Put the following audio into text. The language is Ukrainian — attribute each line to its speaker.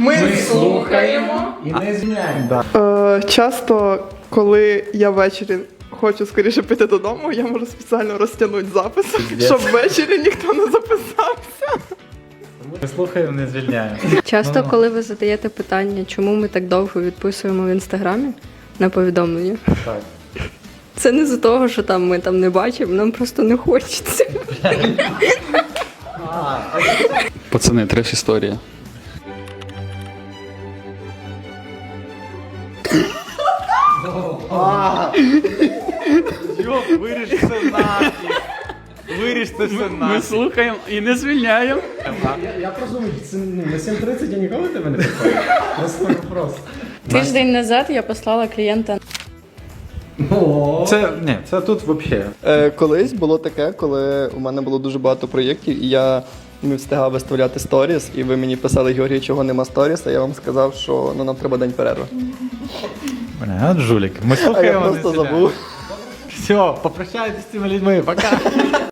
Speaker 1: Ми слухаємо
Speaker 2: і не звільняємо.
Speaker 1: Часто, коли я ввечері хочу скоріше піти додому, я можу спеціально розтягнути запис, щоб ввечері ніхто не записався.
Speaker 2: Ми слухаємо, не звільняємо.
Speaker 3: Часто, коли ви задаєте питання, чому ми так довго відписуємо в інстаграмі на повідомлення,
Speaker 2: Так.
Speaker 3: це не з-за того, що там ми там не бачимо, нам просто не хочеться.
Speaker 4: Пацани, треш історія.
Speaker 2: Виріж це нафіг. Виріж це все
Speaker 4: Ми
Speaker 2: нафіг.
Speaker 4: слухаємо і не звільняємо.
Speaker 2: Я просто думаю, на 7:30 я ніколи тебе не питаю. Просто вопрос.
Speaker 3: Тиждень назад я послала клієнта.
Speaker 2: Це тут взагалі.
Speaker 5: Колись було таке, коли у мене було дуже багато проєктів, і я не встигав виставляти сторіс, і ви мені писали, Георгій, чого нема сторіс, а я вам сказав, що нам треба день перерви.
Speaker 2: От жулік. Ми
Speaker 5: А я
Speaker 2: слухаємо, не
Speaker 5: просто
Speaker 2: звільняємо.
Speaker 5: забув.
Speaker 2: Все, попрощайтесь з цими людьми. Пока.